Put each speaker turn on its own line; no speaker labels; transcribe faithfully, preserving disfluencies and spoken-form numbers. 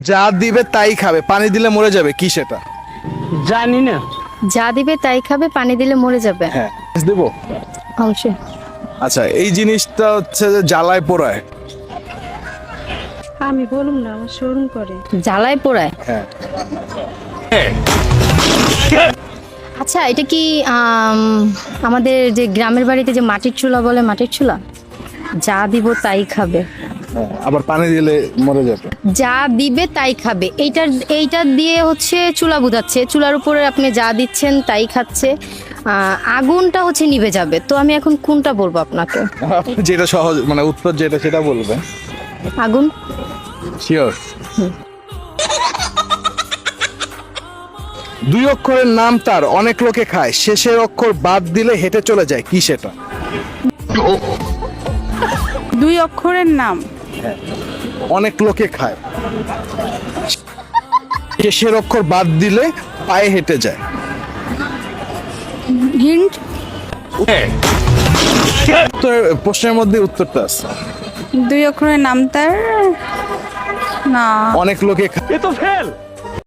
যা দিবে তাই খাবে, পানি দিলে মরে যাবে, কি সেটা?
জানি না।
যা দিবে তাই খাবে, পানি দিলে মরে যাবে।
হ্যাঁ, দেবো।
অবশ্যই।
আচ্ছা, এই জিনিসটা হচ্ছে যে জ্বালায় পোড়ায়।
আমি বলুম না, আমার শোরুম করে।
জ্বালায় পোড়ায়।
হ্যাঁ।
আচ্ছা, এটা কি আম, আমাদের যে গ্রামের বাড়িতে যে মাটির চুলা বলে, মাটির চুলা? যা দিব তাই খাবে,
হ্যাঁ, আবার পানি দিলে মরে যাবে।
যা দিবে তাই খাবে, এইটার এইটা দিয়ে হচ্ছে চুলা বুঝাচ্ছে। চুলার উপরে আপনি যা দিচ্ছেন তাই খাচ্ছে। আহ, আগুনটা হচ্ছে নিভে যাবে। তো আমি এখন কোনটা বলবো আপনাকে?
আপনি যেটা সহজ, মানে উত্তর যেটা সেটা বলবেন।
আগুন।
শিওর? দুই অক্ষরের নাম তার, অনেক লোকে খায়, শেষের অক্ষর বাদ দিলে হেঁটে চলে যায়, কি সেটা?
দুই অক্ষরের নাম।
অনেক লোকে খায়, শেষের অক্ষর বাদ দিলে পায়ে হেঁটে যায়।
হিন্ট।
উত্তর- প্রশ্নের মধ্যে উত্তরটা আছে।
দুই অক্ষরের নাম তার। না,
অনেক লোকে খায়।
এ তো ফেল।